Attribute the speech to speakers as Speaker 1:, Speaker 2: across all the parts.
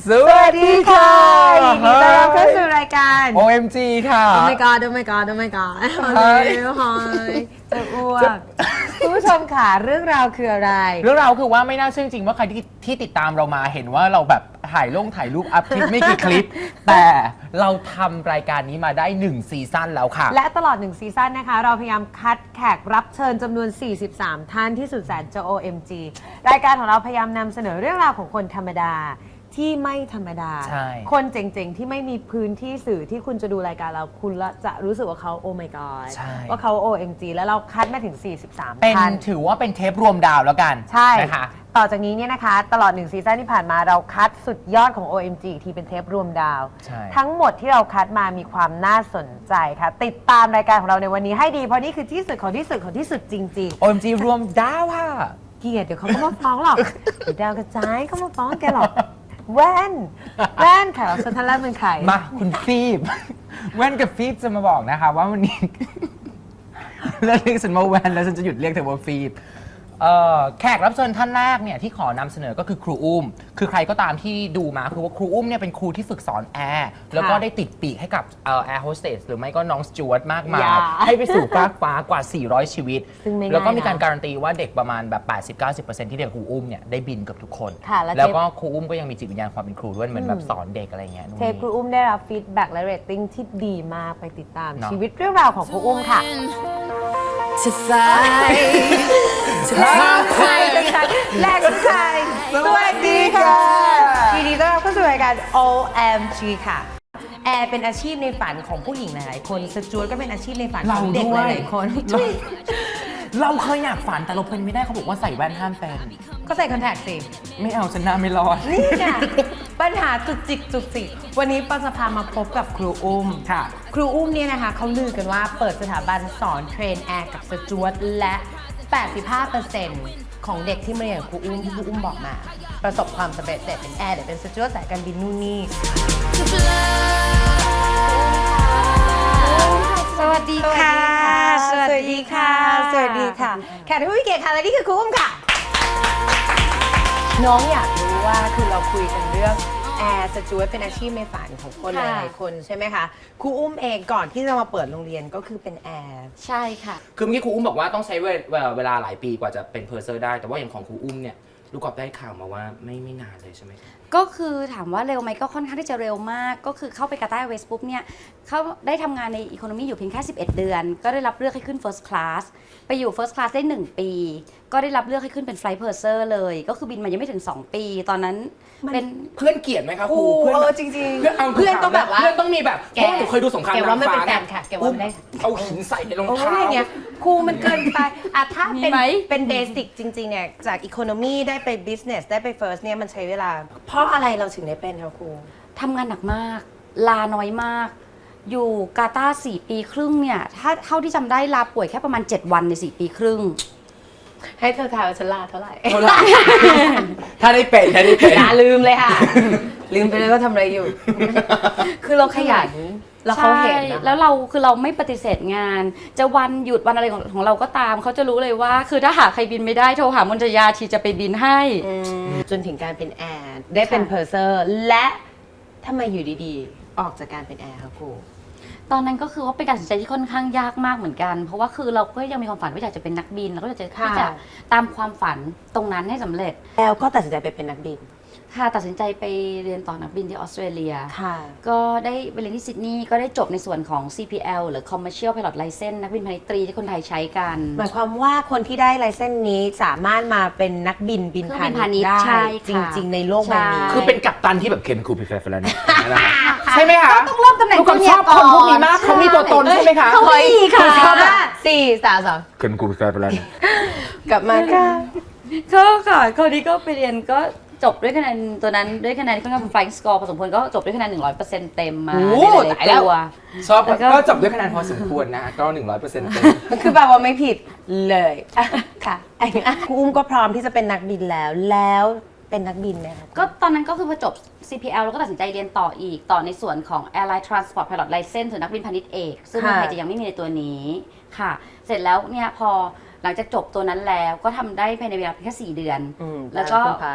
Speaker 1: สวัสดีค่ะ
Speaker 2: ยินดีต้อนรับเข้าสู่รายการ
Speaker 1: OMG ค่ะ
Speaker 2: Oh my god Oh my god Oh my god ฮอยจะอ้วกคุณผู้ชมค่ะเรื่องราวคืออะไร
Speaker 1: เรื่องราวคือว่าไม่น่าเชื่อจริงว่าใครที่ติดตามเรามาเห็นว่าเราแบบถ่ายรูปอัพคลิปไม่กี่คลิป แต่เราทำรายการนี้มาได้1ซีซั่นแล้วค่ะ
Speaker 2: และตลอด1ซีซั่นนะคะเราพยายามคัดแขกรับเชิญจำนวน43ท่านที่สุดแสนจะ OMG รายการของเราพยายามนำเสนอเรื่องราวของคนธรรมดาที่ไม่ธรรมดา
Speaker 1: ใช่
Speaker 2: คนเจ๋งๆ ที่ไม่มีพื้นที่สื่อที่คุณจะดูรายการเราคุณจะรู้สึกว่าเขา Oh my god
Speaker 1: ใช่
Speaker 2: ว่าเขา OMG แล้วเราคัดมาถึง43
Speaker 1: เป็น
Speaker 2: ท่าน
Speaker 1: ถือว่าเป็นเทปรวมดาวแล้วกัน
Speaker 2: ใช่
Speaker 1: นะคะ
Speaker 2: ต่อจากนี้เนี่ยนะคะตลอด1ซีซั่นที่ผ่านมาเราคัดสุดยอดของ OMG อีกทีเป็นเทปรวมดาว
Speaker 1: ใช่
Speaker 2: ทั้งหมดที่เราคัดมามีความน่าสนใจค่ะติดตามรายการของเราในวันนี้ให้ดีเพราะนี่คือที่สุดของที่สุดของที่สุดจริง
Speaker 1: OMG รวมดาวค่ะ
Speaker 2: ๆ เกลียดเดี๋ยวเขาก็มาฟ้องหรอกเดี๋ยวดาวกระจายเขามาฟ้องแกหรอกแว่นค่ะเราสุดท้ายแล้วเป็นใคร
Speaker 1: มาคุณฟีบ แว่นกับฟีบจะมาบอกนะคะว่าวันนี้ เลิกเรียกฉันว่าแว่นแล้วฉันจะหยุดเรียกเธอว่าฟีบแขกรับเชิญท่านแรกเนี่ยที่ขอนำเสนอก็คือครูอุ้มคือใครก็ตามที่ดูมาคือว่าครูอุ้มเนี่ยเป็นครูที่ฝึกสอนแอร์แล้วก็ได้ติดปีกให้กับแอร์โฮสเตสหรือไม่ก็น้องสจวตมากมาย ให้ไปสู่ฟากฟ้ากว่า 400 ชีวิต
Speaker 2: ซึ่งไม่ง่ายนะ
Speaker 1: แล้วก็มีการการันตีว่าเด็กประมาณแบบ 80-90% ที่เรียนครูอุ้มเนี่ยได้บินเกับทุกคน
Speaker 2: ค่ะแล้ว
Speaker 1: แล้วก็ครูอุ้มก็ยังมีจิตวิญญาณความเป็นครูด้วยเหมือนแบบสอนเด็กอะไรเงี้ยนู่น
Speaker 2: เทปครู
Speaker 1: นี่
Speaker 2: อุ้มได้รับฟีดแบ็กและเรตติ้งที่ดีมากไปติดตาม
Speaker 1: เนอะ
Speaker 2: ชีวิตเรื่องราวของครูอุ้มค่ะ
Speaker 3: to fight, to
Speaker 2: ใครเป็นใครแรกคือใครสวัสดีค่ะยินดีต้อนรับเข้าสู่รายการ OMG ค่ะแอร์เป็นอาชีพในฝันของผู้หญิงหลายๆคนสจวตก็เป็นอาชีพในฝันของเด็กหลายๆคน
Speaker 1: เราเคยอยากฝันแต่เราเป็นไม่ได้เขาบอกว่าใส่แว่นห้ามเป็น
Speaker 2: ก็ใส่คอนแทคสิ
Speaker 1: ไม่เอาฉันหน้าไม่รอด
Speaker 2: นี่ไงปัญหาจุกจิกจุกจิกวันนี้ปาจะพามาพบกับครูอุ้ม
Speaker 1: ค่ะ
Speaker 2: ครูอุ้มเนี่ยนะคะเขาลือกันว่าเปิดสถาบันสอนเทรนแอร์กับสจวตและ 85% ของเด็กที่มาเรียนกับครูอุ้มที่ครูอุ้มบอกมา ประสบความสำเร็จเป็นแอร์หรือเป็นสจวตสายการบินนู่นนี่ สวัสดีค่ะ สวัสดีค่ะ สวัสดีค่ะ แขกผู้มีเกียรติค่ะและนี่คือครูอุ้มค่ะ น้องอยากรู้ว่าคือเราคุยกันเรื่องแอร์สจวตเป็นอาชีพในฝันของคนห
Speaker 3: ค่ะ
Speaker 2: ลายๆคนใช่ไหมคะครูอุ้มเองก่อนที่จะมาเปิดโรงเรียนก็คือเป็นแอร์
Speaker 3: ใช่ค่ะ
Speaker 1: คือเมื่อกี้ครูอุ้มบอกว่าต้องใช้เวลาหลายปีกว่าจะเป็นเพอร์เซอร์ได้ แต่ว่าอย่างของครูอุ้มเนี่ยลูกกอล์ฟได้ข่าวมาว่าไม่นานเลยใช่ไหมครับ
Speaker 3: ก็คือถามว่าเร็วไหมก็ค่อนข้างที่จะเร็วมาก ก็คือเข้าไปกาตาร์เวสปุ๊บเนี่ยเขาได้ทำงานในอีโคโนมีอยู่เพียงแค่ 11 เดือน ก็ได้รับเลือกให้ขึ้น First Class ไปอยู่ First Class ได้ 1 ปี ก็ได้รับเลือกให้ขึ้นเป็น Flight Purser เลย ก็คือบินมายังไม่ถึง 2 ปี ตอนนั้นเป็น
Speaker 1: เพื่อนเกลียดไหมครับครู
Speaker 2: ครู
Speaker 1: เพื่อนแบบ
Speaker 2: จริงๆ
Speaker 1: เพื่อนต้องแบบว่า
Speaker 2: เพื่
Speaker 1: เพื่
Speaker 2: อ
Speaker 1: อน นต้องมีแบบ
Speaker 2: แก
Speaker 1: เพราะว่าหนูเคยดูสงคราม
Speaker 2: แกว่าไม่เป็น
Speaker 1: นางฟ้า
Speaker 2: แฟนค่ะแกว่าไม่ได้
Speaker 1: เอาหินใส่ในรอง
Speaker 2: โอ้
Speaker 1: เท้า
Speaker 2: ยเนี่ยครูมันเกินไปอะถ้าเป็น
Speaker 3: มีไหม
Speaker 2: เป็นเบสิกจริงๆเนี่ยจากอีโคโนมีได้ไปบิสเนสได้ไปเฟิร์สเนี่ยมันใช้เวลา เพราะอะไรเราถึงได้เป็นคะครู
Speaker 3: ทำงานหนักมาก ลาน้อยมาก อยู่กาตาร์4 ปีครึ่งเนี่ยถ้าเท่าที่จำได้ลาป่วยแค่ประมาณ 7 วันใน 4 ปีครึ่ง
Speaker 2: ให้เธอทายว่าฉันลาเท่าไหร่
Speaker 1: เท่าไหร่ ถ้าได้เป็น
Speaker 2: อย่าลืมเลยค่ะ ลืมไปเลยว่าทำอะไรอยู่ คือเราขยันแล้วเขาเห็น
Speaker 3: ใช่
Speaker 2: นะ
Speaker 3: แล้วเราคือเราไม่ปฏิเสธงาน จะวันหยุดวันอะไรของเราก็ตาม เขาจะรู้เลยว่า คือถ้าหากใครบินไม่ได้โทรหามนจยาทีจะไปบินให้
Speaker 2: จนถึงการเป็นแอร์ได้เป็น
Speaker 3: ค่ะ
Speaker 2: เพอร์เซอร์และทำไมอยู่ดีๆ ออกจากการเป็นแอร์คะครู
Speaker 3: ตอนนั้นก็คือว่าเป็นการตัดสินใจที่ค่อนข้างยากมากเหมือนกัน เพราะว่าคือเราก็ยังมีความฝันว่าอยากจะเป็นนักบินแล้วก็อยากจะ
Speaker 2: ค่ะ
Speaker 3: ที่จะตามความฝันตรงนั้นให้สำเร็จ
Speaker 2: แล้วก็ตัดสินใจไปเป็นนักบิน
Speaker 3: ค่ะตัดสินใจไปเรียนต่อนักบินที่ออสเตรเลีย
Speaker 2: ค่ะ
Speaker 3: ก็ได้ไปเรียนที่ซิดนีย์ก็ได้จบในส่วนของ CPL หรือ Commercial Pilot License นักบินพาณิชย์ตรีที่คนไทยใช้กัน
Speaker 2: หมายความว่าคนที่ได้ไลเซนส์นี้สามารถมาเป็นนักบินบิน
Speaker 3: เครื่อง
Speaker 2: พา
Speaker 3: บิน
Speaker 2: ณิชย์
Speaker 3: พาณิชย์
Speaker 2: ได้
Speaker 3: ใช่
Speaker 2: จ
Speaker 3: ค่ะ
Speaker 2: ริง ๆ ในโลกใบนี้
Speaker 3: ใช่
Speaker 1: คือเป็นกัปตันที่แบบเคนคูพิเฟฟแล้วเนี่ยใช่ไหมคะ
Speaker 3: ต้องเริ่มตำแหน่ง
Speaker 1: ลูกกอล์ฟชอบคนพวกนี้มากเขามีตัวตนใช่ไหมคะ
Speaker 3: เขามีค่ะ
Speaker 2: ชอบแบบ4 3
Speaker 1: เคนคูพิเฟฟแล้ว
Speaker 2: 2กลับมาค่ะ
Speaker 3: ก็ค่ะคราวนี้ก็ไปเรียนก็จบด้วยคะแนนตัวนั้นด้วยคะแนนค่อนข้างเป็น flying score พอสมควรก็จบด้วยคะแนน 100% เต็มมา
Speaker 2: โอ้
Speaker 3: ในหลา
Speaker 2: ตาย ยแล้
Speaker 3: ๆ
Speaker 2: ว
Speaker 3: ตัว
Speaker 1: ชอบ
Speaker 3: แล้วก็
Speaker 1: ก็จบด้วยคะแนนพอสมควรนะก็ 100%เต็ม
Speaker 2: คือแบบว่าไม่ผิดเลยค่ะไอ้ครูอุ้มก็พร้อมที่จะเป็นนักบินแล้วเป็นนักบินไหมคะ
Speaker 3: ก็ตอนนั้นก็คือพอจบ CPL แล้วก็ตัดสินใจเรียนต่ออีกต่อในส่วนของ Airline Transport Pilot License หรือนักบินพาณิชย์เอก ซึ่งเมืองไทยจะยังไม่มีในตัวนี้ค่ะ เสร็จแล้วเนี่ยพอหลังจากจบตัวนั้นแล้วก็ทำได้ภายในเวลาเพียงแค่4 เดือน แล้วก็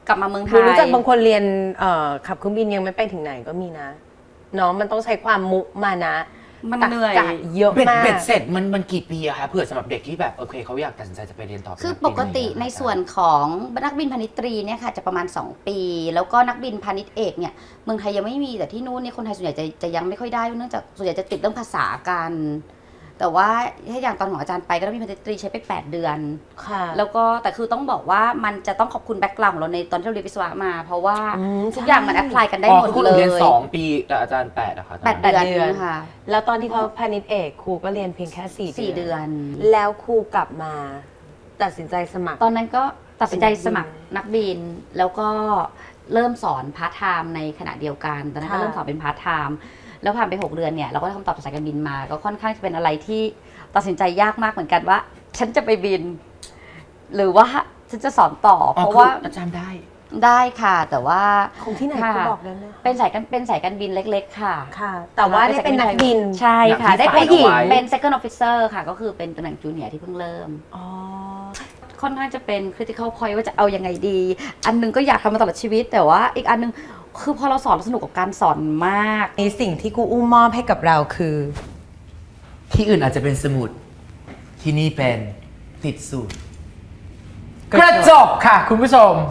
Speaker 3: กลับมาเมืองไท
Speaker 2: หนู
Speaker 3: ย
Speaker 2: รู้จักบางคนเรียนขับเครื่องบินยังไม่ไปถึงไหนก็มีนะเนาะมันต้องใช้ความมุมานะ
Speaker 3: มันเหนื่อย
Speaker 2: ตรรกะเยอะมาก
Speaker 1: เบ็ดเสร็จมันกี่ปีอะคะเผื่อสำหรับเด็กที่แบบโอเคเขาอยากตัดสินใจจะไปเรียนต่อ
Speaker 3: คือ
Speaker 1: เนนั
Speaker 3: ปกติ
Speaker 1: บิอะ
Speaker 3: ในส่วนของนักบินพาณิชย์ตรีเนี่ยค่ะจะประมาณ 2 ปี แล้วก็นักบินพาณิชย์เอกเนี่ยเมืองไทยยังไม่มีแต่ที่นู้นเนี่ยคนไทยส่วนใหญ่จะยังไม่ค่อยได้เนื่องจากส่วนใหญ่จะติดเรื่องภาษากัน แต่ว่าถ้าอย่างตอนของอาจารย์ไปก็นักบินพาณิชย์ตรีใช้ไป 8 เดือน
Speaker 2: ค่ะ
Speaker 3: แล้วก็แต่คือต้องบอกว่ามันจะต้องขอบคุณแบ็กกราวด์ของเราในตอนที่เราเรียนวิศวะมา เพราะว่า ทุกอย่างมันแอพพลายกันได้
Speaker 1: อ๋อ
Speaker 3: หมด
Speaker 1: คือคุณ
Speaker 3: เล
Speaker 1: เรียน
Speaker 3: ย
Speaker 1: 2 ปีแต่อาจารย์8อะค่ะ
Speaker 3: 8 เดือนค่ะ
Speaker 2: แล้วตอนที่เขาพาณิชย์เอกครูก็เรียนเพียงแค่4
Speaker 3: 4 เดือน
Speaker 2: แล้วครูกลับมาตัดสินใจสมัคร
Speaker 3: ตอนนั้นก็ตัดสินใจสมัครนักบิน แล้วก็เริ่มสอนพาร์ทไทม์ในขณะเดียวกันตอนนั้นก็
Speaker 2: ค่ะ
Speaker 3: เริ่มสอนเป็นพาร์ทไทม์แล้วผ่านไป 6 เดือนเนี่ยเราก็ได้คำตอบจากสายการบินมา ก็ค่อนข้างจะเป็นอะไรที่ตัดสินใจยากมากเหมือนกันว่า ฉันจะไปบิน หรือว่าฉันจะสอนต่อ
Speaker 1: อ๋อ
Speaker 3: เพราะ
Speaker 1: คือ
Speaker 3: ว่า
Speaker 1: อาจารย์ได้
Speaker 3: ได้ค่ะ แต่ว่า
Speaker 2: ของที่ไหน
Speaker 3: ค่ะ
Speaker 2: ครูบอกได้ไหม
Speaker 3: เป็นสายการบินเล็กๆค่ะ
Speaker 2: ค่ะ แต่ว่าได้เป็นนักบิน
Speaker 3: ใช่ค่ะ
Speaker 1: นักบิน
Speaker 3: ได้เป็น
Speaker 1: ฝ่ายเอาไว้
Speaker 3: เป็น second officer ค่ะ ก็คือเป็นตำแหน่งจูเนียร์ที่เพิ่งเริ่ม
Speaker 2: อ๋อ
Speaker 3: ค่อนข้างจะเป็น critical point ว่าจะเอายังไงดี อันหนึงก็อยากทำมาตลอดชีวิต แต่ว่าอีกอันหนึงคือพอเราสอนเราสนุกกับการสอนมาก
Speaker 2: ในสิ่งที่ครูอุ้มมอบให้กับเราคือ
Speaker 1: ที่อื่นอาจจะเป็นสมุดที่นี่เป็นติดสูตรกระจกค่ะ คุณผู้ชม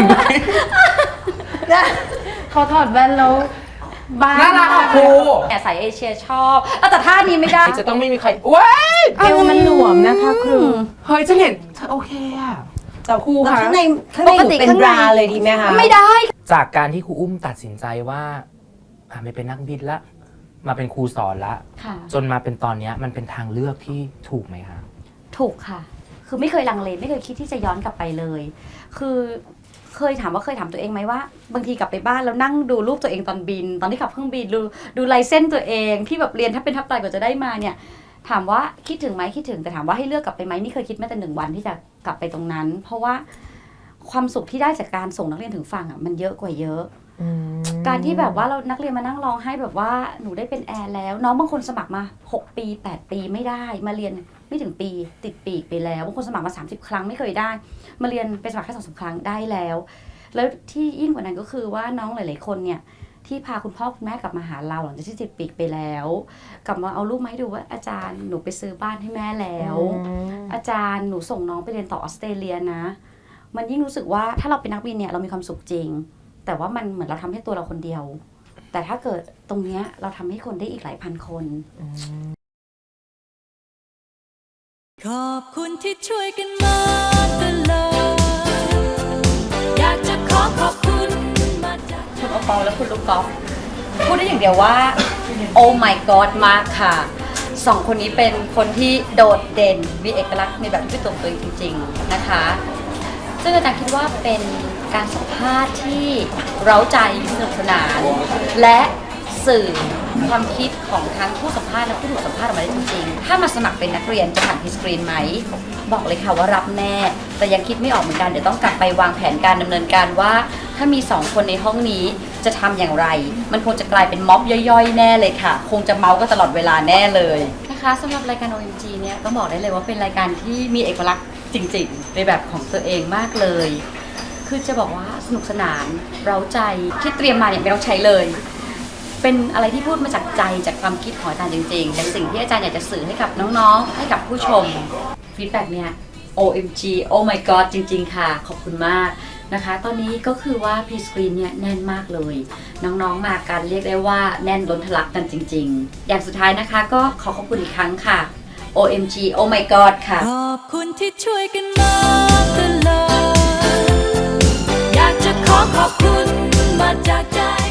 Speaker 3: เขาถอดแว่นแล้วบ้า
Speaker 1: น่ารักอ่ะครู
Speaker 3: แต่สายเอเชียชอบแต่ท่านี้ไม่ได้
Speaker 1: จะต้องไม่มีใครว้าย
Speaker 2: เอวมันหลวมนะคะครู
Speaker 1: เฮ้ยจะเห็นโอเคอะ
Speaker 2: แต่ครูค่ะข้างในหนูเป็นบราเลยดีไหมคะ
Speaker 3: ไม่ได้
Speaker 1: จากการที่ครูอุ้มตัดสินใจว่าไม่เป็นนักบินละมาเป็นครูสอนละ
Speaker 3: ค่ะ
Speaker 1: จนมาเป็นตอนเนี้ยมันเป็นทางเลือกที่ถูกไหมคะ
Speaker 3: ถูกค่ะ คือไม่เคยลังเลไม่เคยคิดที่จะย้อนกลับไปเลย คือเคยถามตัวเองไหมว่า บางทีกลับไปบ้านแล้วนั่งดูรูปตัวเองตอนบิน ตอนที่ขับเครื่องบินดูลายเส้นตัวเองที่แบบเรียนถ้าเป็นทับตายกว่าจะได้มาเนี่ย ถามว่าคิดถึงไหมคิดถึงแต่ถามว่าให้เลือกกลับไปไหมนี่เคยคิดแม้แต่1 วันที่จะกลับไปตรงนั้น เพราะว่าความสุขที่ได้จากการส่งนักเรียนถึงฝั่งอ่ะมันเยอะกว่าเยอะ การที่แบบว่าเรานักเรียนมานั่งร้องให้แบบว่าหนูได้เป็นแอร์แล้ว น้องบางคนสมัครมา6 ปี 8 ปีไม่ได้มาเรียนไม่ถึงปีติดปีกไปแล้วบางคนสมัครมา30 ครั้งไม่เคยได้ มาเรียนไปสมัครแค่2-3 ครั้งได้แล้ว แล้วที่ยิ่งกว่านั้นก็คือว่าน้องหลายๆคนเนี่ยที่พาคุณพ่อคุณแม่กลับมาหาเราหลังจากที่ติดปีกไปแล้ว กลับมาเอารูปมาให้ดูว่าอาจารย์หนูไปซื้อบ้านให้แม่แล้ว อาจารย์หนูส่งน้องไปเรียนต่อออสเตรเลียนะ มันยิ่งรู้สึกว่าถ้าเราเป็นนักบินเนี่ยเรามีความสุขจริง แต่ว่ามันเหมือนเราทำให้ตัวเราคนเดียว แต่ถ้าเกิดตรงเนี้ยเราทำให้คนได้อีกหลายพันคน
Speaker 4: ขอบคุณที่ช่วยกันมาตลอดอยากจะขอบคุณมาจาก
Speaker 3: คุณโอปอลและคุณลูกกอล์ฟพูดได้อย่างเดียวว่า โอ้ my god มากค่ะสองคนนี้เป็นคนที่โดดเด่นมีเอกลักษณ์ในแบบที่เป็นตัวเองจริงๆนะคะซึ่งอาจารย์คิดว่าเป็นการสัมภาษณ์ที่เร้าใจสนุกสนาน และสื่อความคิดของทั้งผู้สัมภาษณ์และผู้ถูกสัมภาษณ์ออกมาได้จริงๆ ถ้ามาสมัครเป็นนักเรียนจะผ่านพีสกรีนไหม บอกเลยค่ะว่ารับแน่ แต่ยังคิดไม่ออกเหมือนกันเดี๋ยวต้องกลับไปวางแผนการดำเนินการว่า ถ้ามี2 คนในห้องนี้จะทำอย่างไร มันคงจะกลายเป็นม็อบย่อยๆ แน่เลยค่ะ คงจะเมาส์กันตลอดเวลาแน่เลยนะคะสำหรับรายการ OMG เนี่ยต้องบอกได้เลยว่าเป็นรายการที่มีเอกลักษณ์จริงๆ ในแบบของตัวเองมากเลย คือจะบอกว่าสนุกสนานเร้าใจที่เตรียมมาเนี่ยไม่ต้องใช้เลย เป็นอะไรที่พูดมาจากใจจากความคิดของอาจารย์จริงๆแต่สิ่งที่อาจารย์อยากจะสื่อให้กับน้องๆให้กับผู้ชมฟีดแบ็กเนี่ย OMG Oh my god จริงๆค่ะขอบคุณมากนะคะตอนนี้ก็คือว่า P-Screen เนี่ยแน่นมากเลยน้องๆมากันเรียกได้ว่าแน่นล้นทะลักกันจริงๆอย่างสุดท้ายนะคะก็ขอบคุณอีกครั้งค่ะ OMG Oh my god ค่ะ
Speaker 4: ขอบคุณที่ช่วยกันมาตลอดอยากจะขอบคุณมาจากใจ